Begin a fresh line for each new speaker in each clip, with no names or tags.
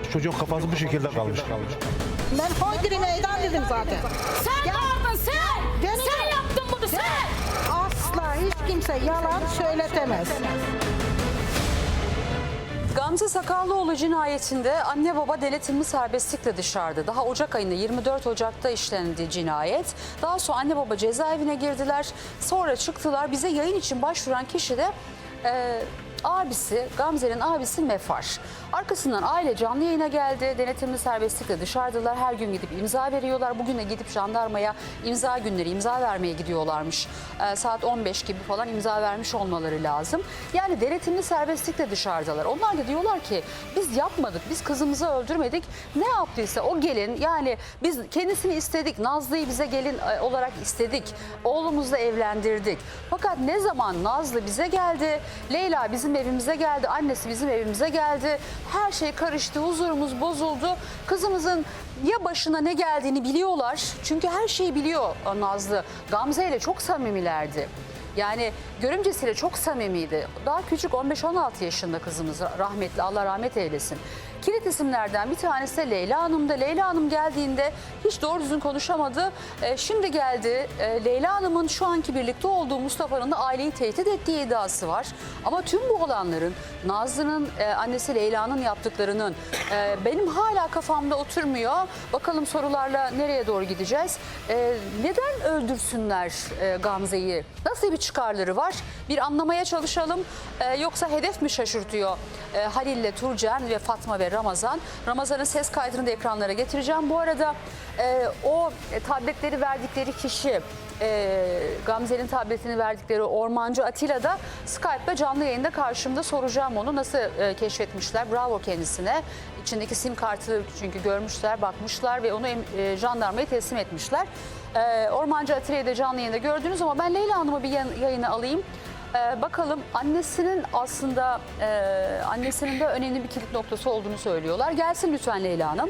Çocuğun kafası bu şekilde kalmış.
Ben hoydiri meydan dedim zaten.
Sen vardın sen.
Beni-
Sen yaptın bunu sen.
Asla hiç kimse yalan söyletemez.
Gamze Sakallıoğlu cinayetinde anne baba denetimli serbestlikle dışarıda. Daha Ocak ayında 24 Ocak'ta işlendi cinayet. Daha sonra anne baba cezaevine girdiler. Sonra çıktılar. Bize yayın için başvuran kişi de abisi, Gamze'nin abisi Mefar. Arkasından aile canlı yayına geldi. Denetimli serbestlikle dışarıdalar. Her gün gidip imza veriyorlar. Bugün de gidip jandarmaya imza günleri, imza vermeye gidiyorlarmış. Saat 15 gibi falan imza vermiş olmaları lazım. Yani denetimli serbestlikle dışarıdalar. Onlar da diyorlar ki biz yapmadık, biz kızımızı öldürmedik. Ne yaptıysa o gelin, yani biz kendisini istedik. Nazlı'yı bize gelin olarak istedik. Oğlumuzla evlendirdik. Fakat ne zaman Nazlı bize geldi, Leyla bizim evimize geldi, annesi bizim evimize geldi. Her şey karıştı, huzurumuz bozuldu. Kızımızın ya başına ne geldiğini biliyorlar. Çünkü her şeyi biliyor Nazlı. Gamze ile çok samimilerdi. Yani görümcesiyle çok samimiydi. Daha küçük 15-16 yaşında kızımız, rahmetli, Allah rahmet eylesin. Kilit isimlerden bir tanesi de Leyla Hanım'da. Leyla Hanım geldiğinde hiç doğru düzgün konuşamadı. Şimdi geldi. Leyla Hanım'ın şu anki birlikte olduğu Mustafa'nın da aileyi tehdit ettiği iddiası var. Ama tüm bu olanların, Nazlı'nın annesi Leyla'nın yaptıklarının benim hala kafamda oturmuyor. Bakalım sorularla nereye doğru gideceğiz? Neden öldürsünler Gamze'yi? Nasıl bir çıkarları var? Bir anlamaya çalışalım. Yoksa hedef mi şaşırtıyor Halil'le Turcen ve Fatma ve Ramazan? Ramazan'ın ses kaydını da ekranlara getireceğim. Bu arada o tabletleri verdikleri kişi, Gamze'nin tabletini verdikleri Ormancı Atilla da Skype'da canlı yayında karşımda, soracağım onu nasıl keşfetmişler. Bravo kendisine. İçindeki sim kartı çünkü görmüşler, bakmışlar ve onu jandarmaya teslim etmişler. Ormancı Atilla'yı da canlı yayında gördünüz ama ben Leyla Hanım'ı bir yayına alayım. Bakalım annesinin aslında annesinin de önemli bir kilit noktası olduğunu söylüyorlar. Gelsin lütfen Leyla Hanım.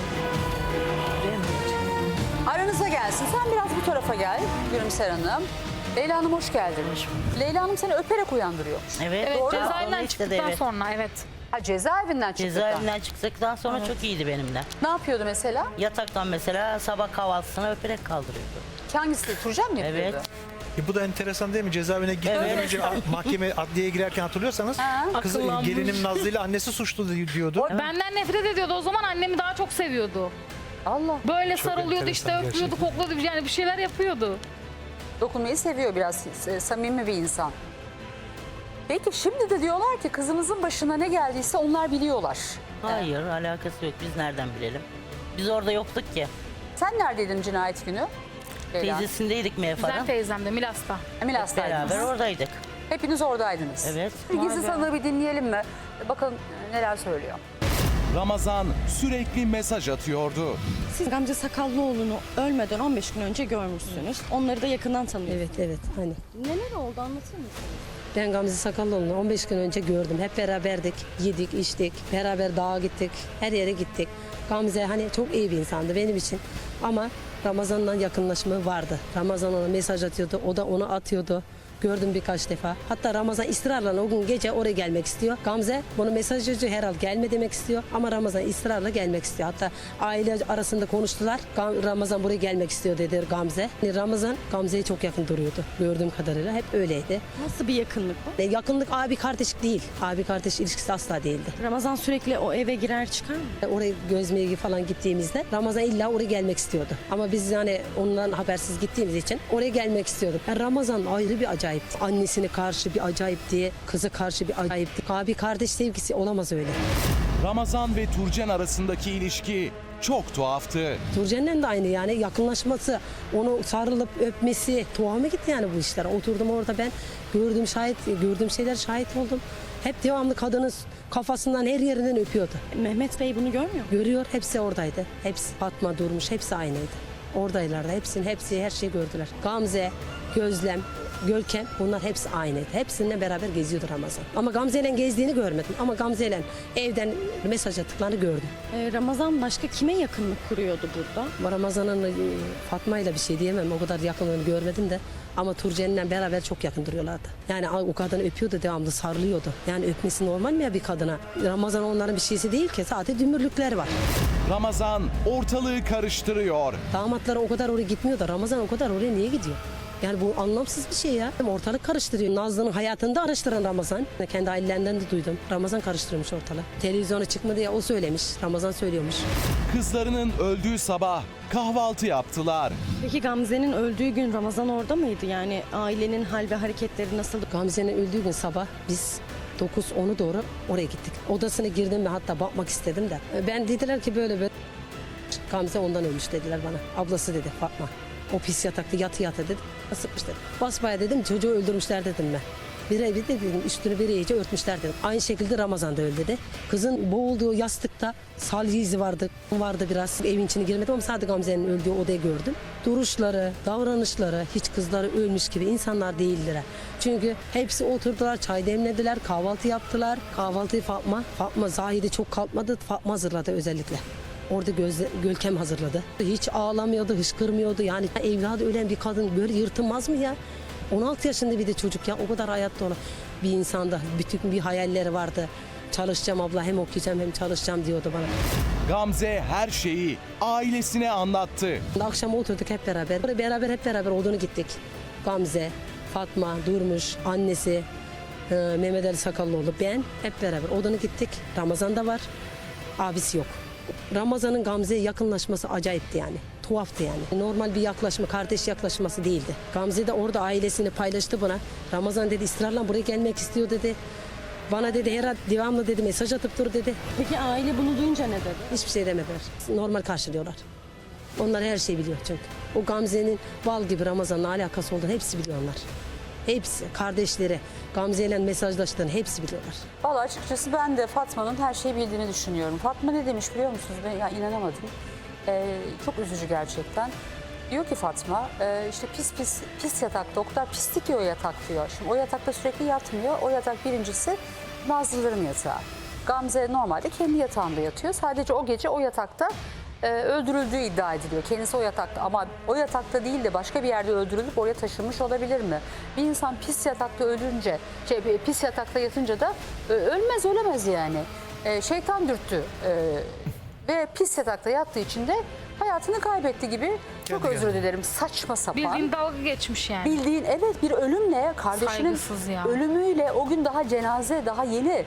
Aranıza gelsin. Sen biraz bu tarafa gel Gülümser Hanım. Leyla Hanım hoş geldin. Leyla Hanım seni öperek uyandırıyormuş.
Evet.
Evet,
Doğru.
cezaevinden
Onu istedi,
çıktıktan
evet.
sonra evet.
Ha, cezaevinden çıktı.
Cezaevinden çıktıktan sonra çok iyiydi benimle.
Ne yapıyordu mesela?
Yataktan mesela sabah kahvaltısına öperek kaldırıyordu.
Hangisi? Turcen mi yapıyordu?
Evet.
Bu da enteresan değil mi? Cezaevine gitmeden
Evet.
önce mahkeme adliyeye girerken hatırlıyorsanız kız
Akıllanmış.
gelinim Nazlı ile annesi suçlu diyordu.
Benden nefret ediyordu. O zaman annemi daha çok seviyordu.
Allah.
Böyle
Çok
sarılıyordu işte,
enteresan
öpüyordu, kokladı, yani bir şeyler yapıyordu.
Dokunmayı seviyor, biraz samimi bir insan. Peki şimdi de diyorlar ki kızımızın başına ne geldiyse onlar biliyorlar.
Hayır, alakası yok. Biz nereden bilelim? Biz orada yoktuk ki.
Sen neredeydin cinayet günü? Leyla.
Teyzesindeydik
Güzel
Mevfar'ın.
teyzem de Milas'ta.
Milas'taydınız.
Beraber oradaydık.
Hepiniz oradaydınız.
Evet.
Bir gizli sanığı bir dinleyelim mi? Bakalım neler söylüyor.
Ramazan sürekli mesaj atıyordu.
Siz Gamze Sakallıoğlu'nu ölmeden 15 gün önce görmüşsünüz. Onları da yakından tanıyorsunuz.
Evet hani.
Neler oldu, anlatır mısınız?
Ben Gamze Sakallıoğlu'nu 15 gün önce gördüm. Hep beraberdik. Yedik, içtik. Beraber dağa gittik. Her yere gittik. Gamze hani çok iyi bir insandı benim için. Ama Ramazan'la yakınlaşma vardı. Ramazan ona mesaj atıyordu. O da onu atıyordu. Gördüm birkaç defa. Hatta Ramazan ısrarla o gün gece oraya gelmek istiyor. Gamze bunu mesaj atıyor, herhal gelme demek istiyor. Ama Ramazan ısrarla gelmek istiyor. Hatta aile arasında konuştular. Ramazan buraya gelmek istiyor dedi Gamze. Ramazan Gamze'ye çok yakın duruyordu. Gördüğüm kadarıyla hep öyleydi.
Nasıl bir yakınlık bu?
Yakınlık abi kardeş değil. Abi kardeş ilişkisi asla değildi.
Ramazan sürekli o eve girer çıkar mı?
Oraya gözmeye falan gittiğimizde Ramazan illa oraya gelmek istiyordu. Ama biz yani ondan habersiz gittiğimiz için oraya gelmek istiyorduk. Yani Ramazan ayrı bir acayipti. Annesine karşı bir acayipti. Kızı karşı bir acayipti. Abi kardeş sevgisi olamaz öyle.
Ramazan ve Turcen arasındaki ilişki çok tuhaftı.
Turcen'le de aynı yani yakınlaşması, onu sarılıp öpmesi tuhafıma gitti yani bu işler. Oturdum orada ben gördüğüm şeyler şahit oldum. Hep devamlı kadının kafasından her yerinden öpüyordu.
Mehmet Bey bunu görmüyor mu?
Görüyor, hepsi oradaydı. Hepsi Fatma Durmuş, hepsi aynıydı. Oradaylardı, hepsi her şeyi gördüler. Gamze, Gözlem, Görkem bunlar hepsi aynıydı. Hepsininle beraber geziyordu Ramazan. Ama Gamze'yle gezdiğini görmedim. Ama Gamze'yle evden mesaj attıklarını gördüm.
Ramazan başka kime yakınlık kuruyordu burada?
Ramazan'ın Fatma'yla bir şey diyemem. O kadar yakınlığını görmedim de. Ama Turcen'le beraber çok yakın duruyorlardı. Yani o kadını öpüyordu, devamlı sarılıyordu. Yani öpmesi normal mi ya bir kadına? Ramazan onların bir şeysi değil ki, sadece dümürlükler var.
Ramazan ortalığı karıştırıyor.
Damatları o kadar oraya gitmiyor da Ramazan o kadar oraya niye gidiyor? Yani bu anlamsız bir şey ya. Ortalık karıştırıyor. Nazlı'nın hayatını da araştıran Ramazan. Kendi ailelerinden de duydum. Ramazan karıştırmış ortalığı. Televizyona çıkma diye o söylemiş. Ramazan söylüyormuş.
Kızlarının öldüğü sabah kahvaltı yaptılar.
Peki Gamze'nin öldüğü gün Ramazan orada mıydı? Yani ailenin hal ve hareketleri nasıldı?
Gamze'nin öldüğü gün sabah biz 9-10'u doğru oraya gittik. Odasına girdim ve hatta bakmak istedim de. Ben dediler ki böyle Gamze ondan ölmüş dediler bana. Ablası dedi Fatma. O pis yatakta yatı dedi. Sıkmış dedi. Basbaya dedim çocuğu öldürmüşler dedim ben. Bir dedim üstünü bir iyice örtmüşler dedim. Aynı şekilde Ramazan da öldü dedi. Kızın boğulduğu yastıkta salya izi vardı biraz. Evin içine girmedim ama sadece Gamze'nin öldüğü odayı gördüm. Duruşları, davranışları hiç kızları ölmüş gibi insanlar değildiler. Çünkü hepsi oturdular, çay demlediler, kahvaltı yaptılar. Kahvaltıyı Fatma Zahide çok kalkmadı. Fatma hazırladı özellikle. Orada Görkem hazırladı. Hiç ağlamıyordu, hışkırmıyordu. Yani evladı ölen bir kadın böyle yırtılmaz mı ya? 16 yaşında bir de çocuk ya. O kadar hayatta olan bir insanda bütün bir hayalleri vardı. Çalışacağım abla, hem okuyacağım hem çalışacağım diyordu bana.
Gamze her şeyi ailesine anlattı.
Akşam oturduk hep beraber. Hep beraber odunu gittik. Gamze, Fatma, Durmuş, annesi, Mehmet Ali Sakallıoğlu, ben hep beraber odunu gittik. Ramazan da var, abisi yok. Ramazan'ın Gamze'ye yakınlaşması acayipti yani. Tuhaftı yani. Normal bir yaklaşma, kardeş yaklaşması değildi. Gamze de orada ailesini paylaştı bana. Ramazan dedi ısrarla buraya gelmek istiyor dedi. Bana dedi herhalde devamlı dedi mesaj atıp dur dedi.
Peki aile bunu duyunca ne dedi?
Hiçbir şey demediler. Normal karşılıyorlar. Onlar her şeyi biliyor çünkü. O Gamze'nin bal gibi Ramazan'la alakası olduğunu hepsi biliyorlar. Hepsi, kardeşleri, Gamze ile mesajlaştığını hepsi biliyorlar.
Vallahi açıkçası ben de Fatma'nın her şeyi bildiğini düşünüyorum. Fatma ne demiş biliyor musunuz? Ben ya inanamadım. Çok üzücü gerçekten. Diyor ki Fatma, işte pis yatak, doktor pislik diyor yatak diyor. Şimdi o yatakta sürekli yatmıyor. O yatak birincisi Nazlıların yatağı. Gamze normalde kendi yatağında yatıyor. Sadece o gece o yatakta öldürüldüğü iddia ediliyor. Kendisi o yatakta ama o yatakta değil de başka bir yerde öldürülüp oraya taşınmış olabilir mi? Bir insan pis yatakta ölünce, pis yatakta yatınca da ölemez yani. Şeytan dürttü ve pis yatakta yattığı için de hayatını kaybetti gibi. Çok özür dilerim, saçma sapan.
Bildiğin dalga geçmiş yani.
Bildiğin evet bir ölümle kardeşinin
Saygısız ya.
ölümüyle o gün daha cenaze daha yeni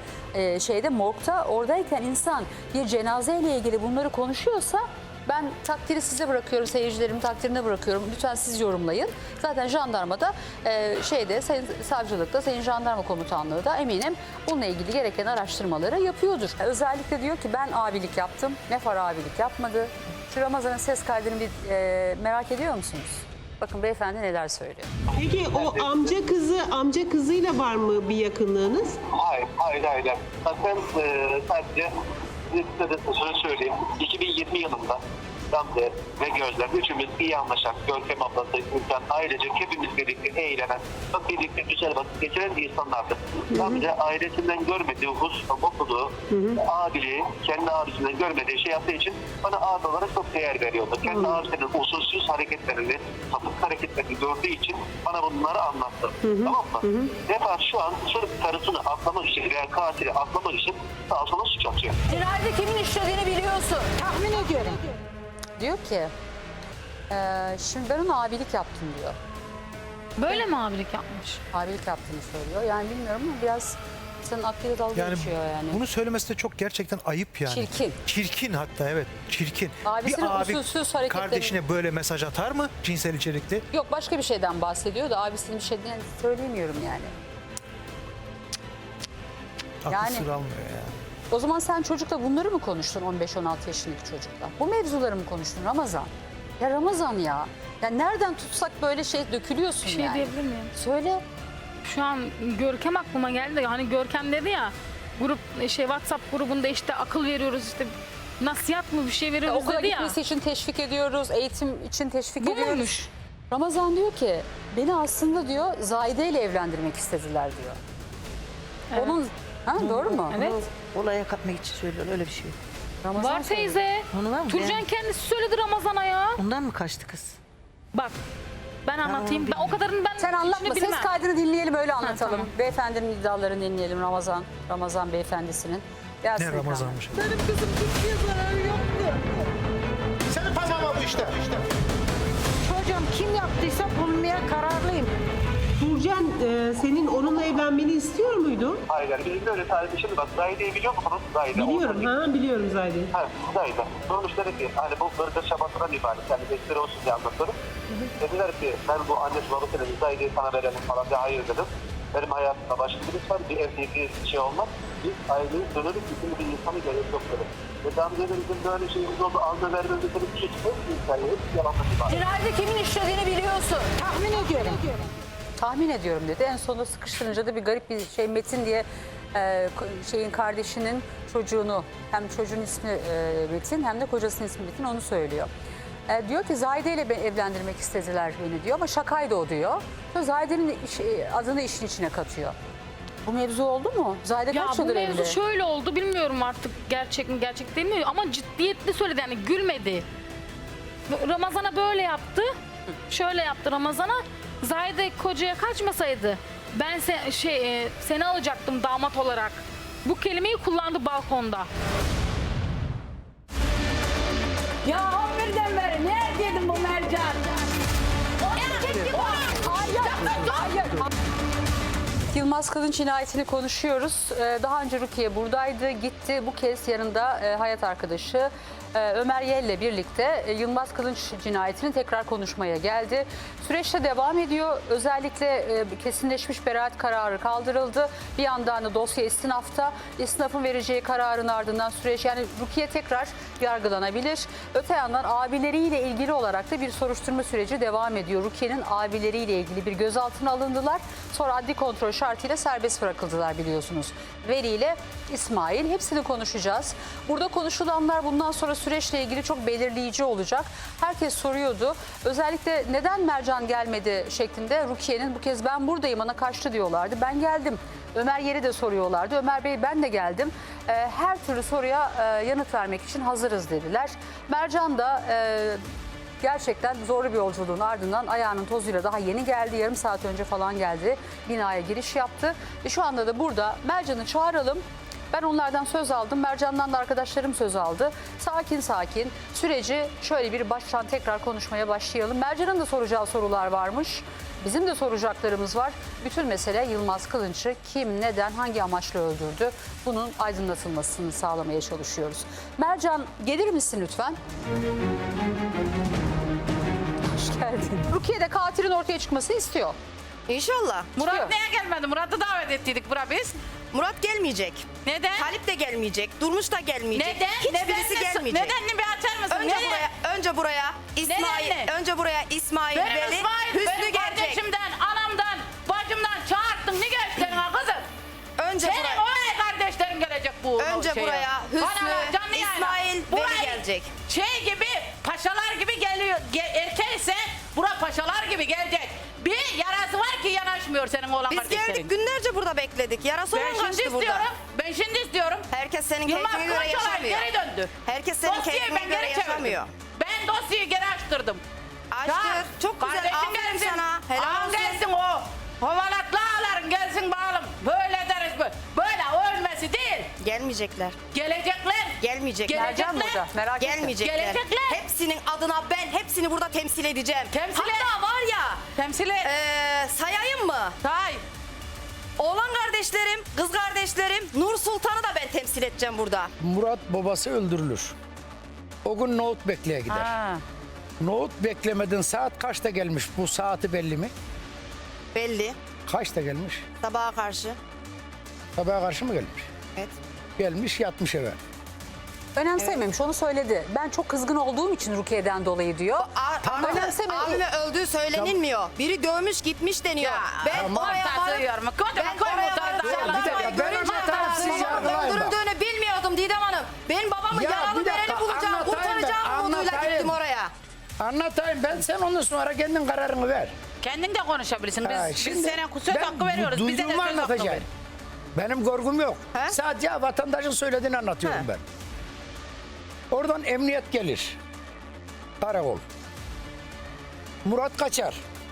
morgda oradayken insan bir cenazeyle ilgili bunları konuşuyorsa ben takdiri size bırakıyorum, seyircilerimin takdirine bırakıyorum. Lütfen siz yorumlayın. Zaten jandarmada sayın savcılıkta, sayın jandarma komutanlığı da eminim bununla ilgili gereken araştırmaları yapıyordur. Özellikle diyor ki ben abilik yaptım. Nefar abilik yapmadı. Şu Ramazan'ın ses kaydını bir merak ediyor musunuz? Bakın beyefendi neler söylüyor.
Peki o amca kızıyla var mı bir yakınlığınız?
Hayır. Zaten sadece size de şöyle söyleyeyim. 2020 yılında Gamze ve Gözlem üçümüz iyi anlaşan, Görkem ablası, insan ailecek hepimiz birlikte eğlenen, birlikte güzel vakit geçiren insanlardı. Gamze ailesinden görmediği okuduğu abiliği, kendi abisinden görmediği şey yaptığı için bana abi olarak çok değer veriyordu. Kendi abisinin usulsüz hareketlerini, sapık hareketlerini gördüğü için bana bunları anlattı. Tamam mı? Nefar şu an sırf karısını atlamak için veya katili atlamak için sağa sola suç atıyor.
Cinayeti kimin işlediğini biliyorsun.
Tahmin ediyorum.
Diyor ki şimdi ben ona abilik yaptım diyor.
Böyle mi abilik yapmış?
Abilik yaptığını söylüyor. Yani bilmiyorum ama biraz senin aklıyla dalga geçiyor yani.
Bunu söylemesi de çok gerçekten ayıp yani.
Çirkin.
Çirkin hatta evet çirkin.
Abisinin
bir abi
usulsüz hareketlerini-
kardeşine böyle mesaj atar mı cinsel içerikli?
Yok başka bir şeyden bahsediyor da abisinin bir şeyden söyleyemiyorum yani.
Aklı
Yani-
sır almıyor ya.
O zaman sen çocukla bunları mı konuştun 15-16 yaşındaki çocukla? Bu mevzuları mı konuştun Ramazan? Ya Ramazan ya. Ya nereden tutsak böyle dökülüyorsun
Bir şey
yani.
diyebilir miyim?
Söyle.
Şu an Görkem aklıma geldi de hani Görkem dedi ya WhatsApp grubunda işte akıl veriyoruz işte nasihat mı bir şey veriyoruz
Okula
dedi ya.
gitmesi için teşvik ediyoruz, eğitim için teşvik
Bu
ediyoruz.
muymuş?
Ramazan diyor ki beni aslında diyor Zahide ile evlendirmek istediler diyor.
Evet.
Onun doğru mu?
Evet.
Olaya katmak için söylüyor öyle bir şey.
Ramazan
Var
söylüyor.
teyze.
Onu var mı?
Turcan kendisi söyledi Ramazan'a ya.
Ondan mı kaçtı kız?
Bak Ben anlatayım. Ben o kadarını ben
Sen anlatma.
içini
Ses
bilmem.
kaydını dinleyelim öyle anlatalım.
tamam.
Beyefendinin iddialarını dinleyelim Ramazan beyefendisinin. Gelsin
Ne
ekran.
Ramazan'mış.
Senin parmağın bu işte.
Çocuğum kim yaptıysa bulmaya kararlıyım.
Turcan senin onunla evlenmeni istiyor muydu?
Hayır, bizim de öyle tarihi. Şimdi bak Zahide'yi biliyor musunuz? Zahide.
Biliyorum. Biliyorum Zahide.
Ha, Zahide. Sormuşlar ki hani bu bırgır şabatından ibaret. Yani destek olsun diye anlatıyorum. Dediler ki ben bu annesi babasının Zahide'yi sana verelim falan diye hayır dedim. Benim hayatımda başka birisi var. Bir evlilik bir şey olmaz. Biz aileyi dönelim. Bizim bir insanı gerek yok dedim. Ve daha önce de bizim böyle şeyimiz oldu. Alma vermemiz dedim. Hiç hikaye. Hep yalanlık ibaret.
Cinayeti kimin işlediğini biliyorsun.
Tahmin ediyorum.
Tahmin ediyorum dedi. En sonunda sıkıştırınca da bir garip bir şey Metin diye şeyin kardeşinin çocuğunu hem çocuğun ismi Metin hem de kocasının ismi Metin onu söylüyor. Diyor ki Zahide ile beni evlendirmek istediler beni diyor ama şakaydı o diyor. Sonra Zahide'nin adını işin içine katıyor. Bu mevzu oldu mu? Zahide
Ya
kaç
bu
yıldır
mevzu
evli?
şöyle oldu bilmiyorum artık gerçek mi gerçek değil mi ama ciddiyetli söyledi yani gülmedi. Ramazan'a böyle yaptı. Şöyle yaptı Ramazan'a. Zahide kocaya kaçmasaydı ben seni alacaktım damat olarak. Bu kelimeyi kullandı balkonda.
Ya birden beri neredeydin bu Mercan?
Yılmaz Kılınç cinayetini konuşuyoruz. Daha önce Rukiye buradaydı, gitti. Bu kez yanında hayat arkadaşı Ömer Yel'le birlikte Yılmaz Kılınç cinayetini tekrar konuşmaya geldi. Süreçte devam ediyor. Özellikle kesinleşmiş beraat kararı kaldırıldı. Bir yandan da dosya istinafta. İstinafın vereceği kararın ardından süreç yani Rukiye tekrar yargılanabilir. Öte yandan abileriyle ilgili olarak da bir soruşturma süreci devam ediyor. Rukiye'nin abileriyle ilgili bir gözaltına alındılar. Sonra adli kontrol şartıyla serbest bırakıldılar biliyorsunuz. Veli ile İsmail hepsini konuşacağız. Burada konuşulanlar bundan sonra süreçle ilgili çok belirleyici olacak. Herkes soruyordu. Özellikle neden Mercan gelmedi şeklinde Rukiye'nin bu kez ben buradayım ana kaçtı diyorlardı. Ben geldim. Ömer Yer'i de soruyorlardı. Ömer Bey ben de geldim. Her türlü soruya yanıt vermek için hazırız dediler. Mercan da gerçekten zorlu bir yolculuğun ardından ayağının tozuyla daha yeni geldi. Yarım saat önce falan geldi. Binaya giriş yaptı. Şu anda da burada Mercan'ı çağıralım. Ben onlardan söz aldım. Mercan'dan da arkadaşlarım söz aldı. Sakin sakin süreci şöyle bir baştan tekrar konuşmaya başlayalım. Mercan'ın da soracağı sorular varmış. Bizim de soracaklarımız var. Bütün mesele Yılmaz Kılınç'ı kim, neden, hangi amaçla öldürdü? Bunun aydınlatılmasını sağlamaya çalışıyoruz. Mercan gelir misin lütfen? Hoş geldin. Rukiye de katilin ortaya çıkmasını istiyor.
İnşallah.
Murat
neye gelmedi? Murat'ı davet ettiydik bura biz. Murat gelmeyecek. Neden? Talip de gelmeyecek. Durmuş da gelmeyecek. Neden? Hiçbirisi gelmeyecek. Nedenini bir açar mısın? Önce buraya İsmail, Veli, Hüsnü gelecek.
Kardeşimden, anamdan, bacımdan çağırttın ne gösterin ha kızım?
Önce
Senin
buraya.
öyle kardeşlerin gelecek bu
Önce
şeye.
buraya Hüsnü,
Canlı yayına.
İsmail, Veli
Burayı
gelecek.
Şey gibi, paşalar gibi geliyor. Erkekse bura paşalar gibi gelecek. Bir yarası var ki yanaşmıyor senin oğlan
Biz
kardeşlerin.
geldik günlerce burada bekledik. Yarası olan kaçtı burada.
Ben şimdi istiyorum.
Herkes senin
Yılmaz
keyfine göre
Kılıç olay
yaşamıyor.
geri döndü.
Herkes senin
Dosyayı
keyfine
ben
göre
geri çevirdim.
yaşamıyor.
Ben dosyayı geri açtırdım.
Açtır.
Çağır.
Çok güzel.
Kardeşim
Aferin
gelsin.
sana. Helal
Ağam
olsun.
gelsin o. Havalatlı ağaların gelsin bağlım. Böyle deriz bu. Böyle ölmesi değil.
Gelmeyecekler.
Gelecekler.
Gelmeyecekler.
Mercan burada merak etme.
Gelmeyecekler.
Gelecekler.
Hepsinin adına ben hepsini burada temsil edeceğim.
Temsil et.
Hatta var ya
Temsil et.
sayayım mı?
Say.
Oğlan kardeşlerim, kız kardeşlerim, Nur Sultan'ı da ben temsil edeceğim burada.
Murat babası öldürülür. O gün nohut bekleye gider.
Ha.
Nohut beklemedin saat kaçta gelmiş? Bu saati belli mi?
Belli.
Kaçta gelmiş?
Sabaha karşı.
Sabaha karşı mı gelmiş?
Evet.
Gelmiş yatmış eve.
Önemsememiş onu söyledi. Ben çok kızgın olduğum için Rukiye'den dolayı diyor.
Abime öldüğü söylenilmiyor. Biri dövmüş gitmiş deniyor. Ben oraya varıp... Öldürüldüğünü bilmiyordum Didem Hanım. Ben babamı
Ya,
yaralı
bir dakika,
vereni bulacağım,
anlatayım
kurtaracağım
ben,
umuduyla
anlatayım.
gittim oraya.
Anlatayım ben sen ondan sonra kendin kararını ver.
Kendin de konuşabilirsin. Biz,
Ha,
biz
şimdi
senin söz
ben
hakkı veriyoruz. Bize de söz
duyduğumu
hakkı ver.
anlatacağım. Benim korkum yok.
He?
Sadece vatandaşın söylediğini anlatıyorum
He.
ben. Oradan emniyet gelir. Karakol. Murat kaçar.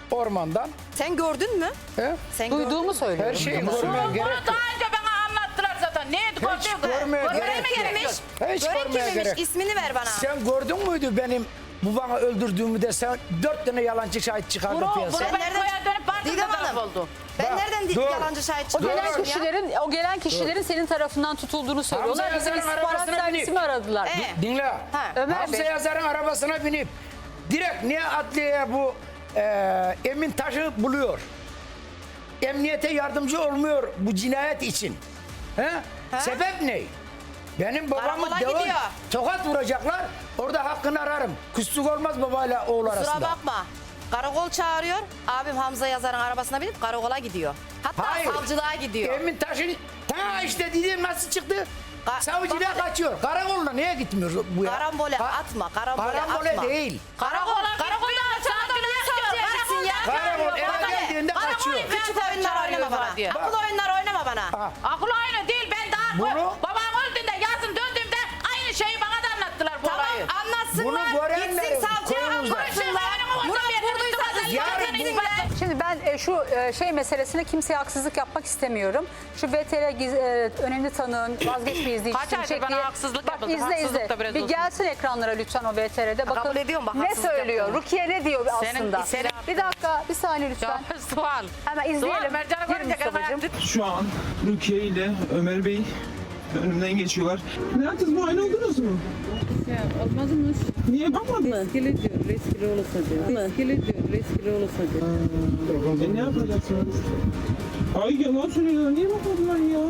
ormandan.
Sen gördün mü?
He?
Sen
Duyduğumu
Her
söylüyorum.
şeyi görmeye gerek yok.
Daha önce bana anlattılar zaten. Neydi
Hiç görmeye
Gören
gerek
mi
yok.
gelmiş?
Hiç
Gören
görmeye
kimmiş?
gerek.
İsmini ver bana.
Sen gördün müydü benim babamı öldürdüğümü de sen 4 tane yalancı şahit çıkardı piyasaya.
Ben koya dönüp baktım
Didem
da taraf
Hanım.
oldu.
Ben
Bak,
nereden
dur.
yalancı şahit
O
çıkarmışım
gelen
ya?
kişilerin senin tarafından tutulduğunu söylüyorlar. Bizim
Yazar'ın
istihbarat
arabasına
servisi mi aradılar?
Dinle.
Ha.
Ömer
Hamza
Bey.
Yazar'ın arabasına binip direkt niye adliyeye bu Emin Taş'ı buluyor? Emniyete yardımcı olmuyor bu cinayet için. He? Sebep ne? Benim babamı
Karakola gidiyor.
tokat vuracaklar. Orada hakkını ararım. Küslük olmaz babayla oğul
Kusura
arasında.
bakma. Karakol çağırıyor. Abim Hamza Yazar'ın arabasına binip karakola gidiyor. Hatta
Hayır.
savcılığa gidiyor.
Emin Taş'ın işte dediğim nasıl çıktı? Savcılığa
bak-
kaçıyor. Karakoluna niye gitmiyor bu ya?
Karambole atma, karambole atma.
değil.
Karakolda niye savcıya gitsin ya?
Karakol eve geldiğinde kaçıyor.
Küçük oyunlar oynama bana.
diye.
Akıl oyunları oynama bana.
Ha.
Akıl oyunu değil. Ben daha
Bunu-
babam öldüğünde yazın döndüğümde aynı şeyi bana da anlattılar bu
Tamam
olayı.
anlatsınlar.
Bunu görenlerin
Gitsin savcıya
konumuzda.
anlatsınlar. Murat vurduysa
Yarın
zaten
bu-
Şimdi ben şu şey meselesine kimseye haksızlık yapmak istemiyorum. Şu VTR önemli tanığın vazgeçmeyiz diye
Kaç aydır bana haksızlık
Bak
yapıldı.
izle
Haksızlık
izle.
da biraz
Bir
olsun.
gelsin ekranlara lütfen o VTR'de. Bakın
kabul ediyorum, bak
ne
haksızlık
söylüyor?
yapıldı.
Rukiye ne diyor aslında?
senin-
Bir dakika bir saniye lütfen.
Ya, sual.
Hemen
Sual.
izleyelim.
Mercan'a
Gir
görünce
Mustafa'cığım.
Şu an Rukiye ile Ömer Bey önümden geçiyorlar. Ne yaptınız? Muayene oldunuz mu?
Olmaz mı?
Niye bakmadın?
Riskli diyor, riskli olursa diyor. Riskli diyor, riskli olursa diyor.
Ne yapacaksınız? Ay yalan söylüyorlar. Niye bakmadılar ya?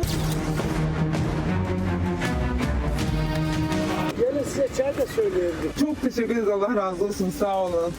Gelin size çay da söyleyebilirim.
Çok teşekkür ederiz. Allah razı olsun. Sağ olun.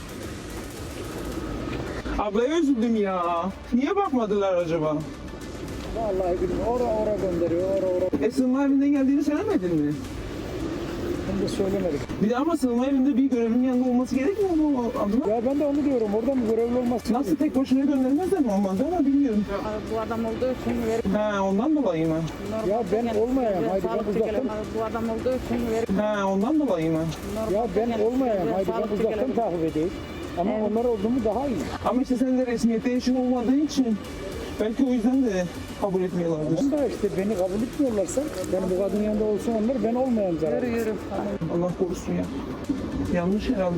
Ablaya üzüldüm ya. Niye bakmadılar acaba?
Vallahi bilmiyorum. Ora gönderiyor. Ora.
Sığınma evinden geldiğini söylemedin mi?
Ben de söylemedik.
Bir de ama sığınma evinde bir görevlinin yanında olması gerekmiyor mu abla?
Ya ben de onu diyorum. Orada mı görevli olması?
Nasıl tek başına göndermezler mi olmazdı ama bilmiyorum.
Bu adam olduğu için verir.
Ha ondan dolayı mı?
Ya ben olmayayım. Haydi ben uzaktan.
Bu adam olduğu için verir.
Ha ondan dolayı mı?
Ya ben olmayayım. Haydi ben uzaktan takip edeyim. Ama onlar oldu mu daha iyi.
Ama işte senin de resmiyette işin olmadığı için belki o yüzden de kabul etmiyorlardır.
Da işte beni kabul etmiyorlarsa, yani bu kadın yanında olsun onlar, ben olmayayım zaten.
Yürü.
Allah korusun ya. Yanlış herhalde.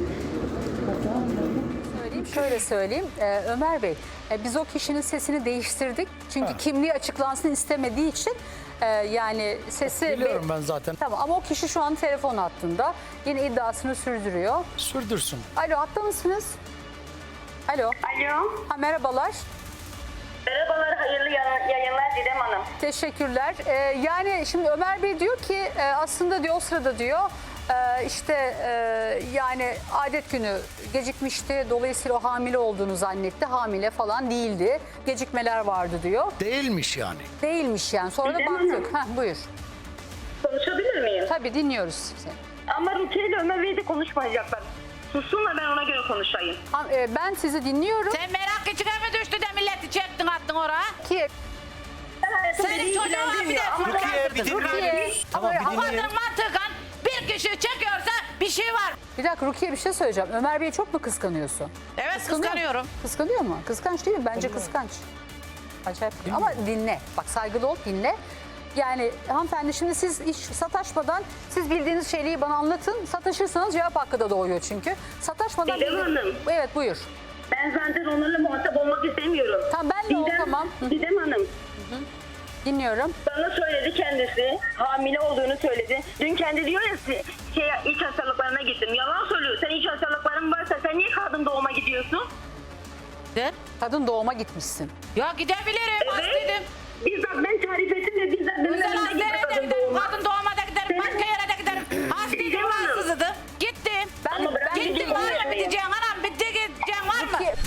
Şöyle söyleyeyim Ömer Bey, biz o kişinin sesini değiştirdik. Çünkü kimliği açıklansın istemediği için yani sesi...
Biliyorum ben zaten.
Tamam ama o kişi şu an telefon hattında. Yine iddiasını sürdürüyor.
Sürdürsün.
Alo, hatta mısınız? Alo.
Alo.
Ha, merhabalar.
Merhabalar, hayırlı yayınlar Didem Hanım.
Teşekkürler. Yani şimdi Ömer Bey diyor ki aslında diyor o sırada diyor işte yani adet günü gecikmişti. Dolayısıyla o hamile olduğunu zannetti. Hamile falan değildi. Gecikmeler vardı diyor.
Değilmiş yani.
Değilmiş yani. Sonra da
Didem
baktık. Heh, buyur.
Konuşabilir miyim?
Tabii dinliyoruz seni.
Ama Rukiye ile Ömer Bey de konuşmayacaklar. Sussunlar, ben ona göre konuşayım.
Ben sizi dinliyorum.
Sen merak içine mi düştü de milleti çektin attın oraya?
Ki
Senin çocuğuna bir de
Rukiye.
Ama kadının mantıken bir kişi çekiyorsa bir şey var.
Bir dakika Rukiye bir şey söyleyeceğim. Ömer Bey'i çok mu kıskanıyorsun?
Evet
Kıskanıyor
kıskanıyorum.
Kıskanıyor mu? Kıskanç değil mi? Bence kıskanç. Acayip. Ama dinle. Bak saygılı ol dinle. Yani hanımefendi şimdi siz hiç sataşmadan siz bildiğiniz şeyleri bana anlatın. Sataşırsanız cevap hakkı da doğuyor çünkü. Sataşmadan...
Didem Hanım.
Evet buyur.
Ben zaten onlarla muhatap olmak istemiyorum.
Tamam ben de o tamam.
Didem Hanım.
Dinliyorum.
Bana söyledi kendisi. Hamile olduğunu söyledi. Dün kendi diyor ya iç hastalıklarına gittim. Yalan söylüyor. Sen iç hastalıkların varsa sen niye kadın doğuma gidiyorsun?
De?
Kadın doğuma gitmişsin.
Ya gidebilirim.
Evet. Bizzat ben tarif ettim de bizzat benim
Özel
önümde gitti
hastaneye de
kadın
giderim,
doğuma.
kadın doğuma da giderim, başka yere de giderim. Hastaydım,
Didem Hanım.
rahatsızdı. Gittim.
Ama ben
Gittim,
gideyim,
var mı
gitmeyeyim.
gideceğin anam? Bitti gideceğin var mı?
Rukiye-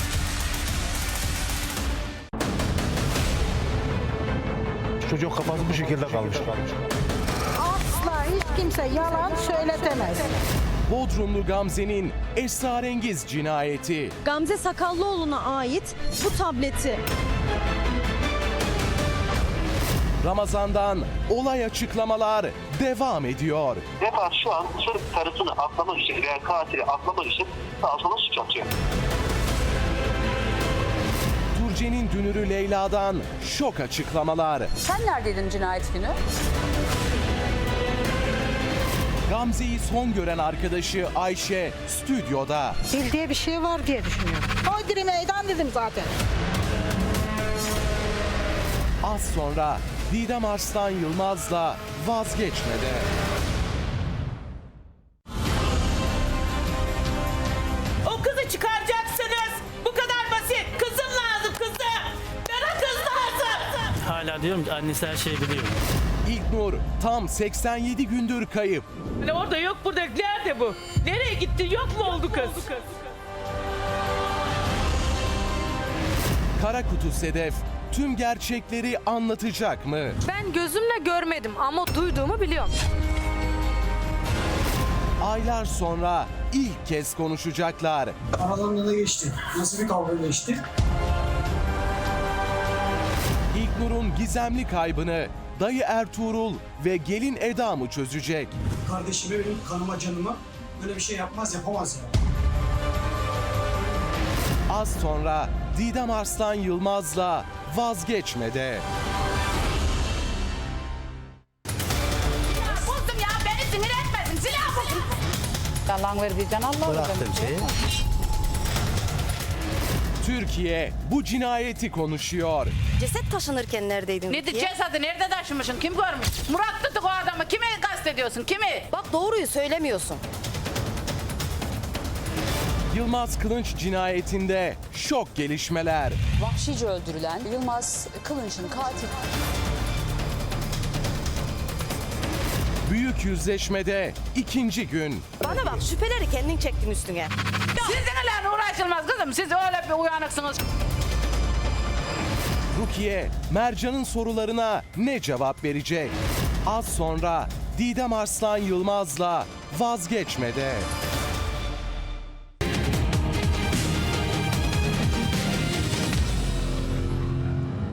Çocuk kafası bu şekilde kalmış.
Asla hiç kimse yalan söyletemez.
Bodrumlu Gamze'nin esrarengiz cinayeti.
Gamze Sakallıoğlu'na ait bu tableti
Ramazan'dan olay açıklamalar devam ediyor.
Vefa şu an sırf karısını aklamak için veya katili aklamak için sağa sola suç atıyor.
Turce'nin dünürü Leyla'dan şok açıklamalar.
Sen neredeydin cinayet günü?
Gamze'yi son gören arkadaşı Ayşe stüdyoda.
Bildiği bir şey var diye düşünüyorum. Hodri meydan dedim zaten.
Az sonra Didem Arslan Yılmaz'la vazgeçmede.
O kızı çıkaracaksınız. Bu kadar basit. Kızım lazım kızım. Bana kız lazım.
Hala diyorum ki annesi her şeyi biliyor.
İlknur tam 87 gündür kayıp.
Orada yok burada. Nerede bu? Nereye gitti? Yok mu oldu kız?
Kara Kutu Sedef tüm gerçekleri anlatacak mı?
Ben gözümle görmedim ama duyduğumu biliyorum.
Aylar sonra ilk kez konuşacaklar.
Aralarında ne geçti? Nasıl bir kavga geçti?
İlknur'un gizemli kaybını dayı Ertuğrul ve gelin Eda mı çözecek?
Kardeşime, benim kanıma, canıma böyle bir şey yapmaz, yapamaz ya.
Az sonra Didem Arslan Yılmaz'la vazgeçmede.
Buldum ya beni sinir etmesin. Silah buldum.
Yalan verdiysen Allah
Bıraktım şeyi.
Türkiye bu cinayeti konuşuyor.
Ceset taşınırken neredeydin?
Ne cesedi nerede taşımışsın? Kim görmüş? Murat tuttuk o adamı. Kimi kastediyorsun? Kimi?
Bak doğruyu söylemiyorsun.
Yılmaz Kılınç cinayetinde şok gelişmeler.
Vahşice öldürülen Yılmaz Kılınç'ın katili.
Büyük yüzleşmede ikinci gün.
Bana bak şüpheleri kendin çektin üstüne.
Sizinle uğraşılmaz kızım. Siz öyle bir uyanıksınız.
Rukiye, Mercan'ın sorularına ne cevap verecek? Az sonra Didem Arslan Yılmaz'la vazgeçmede.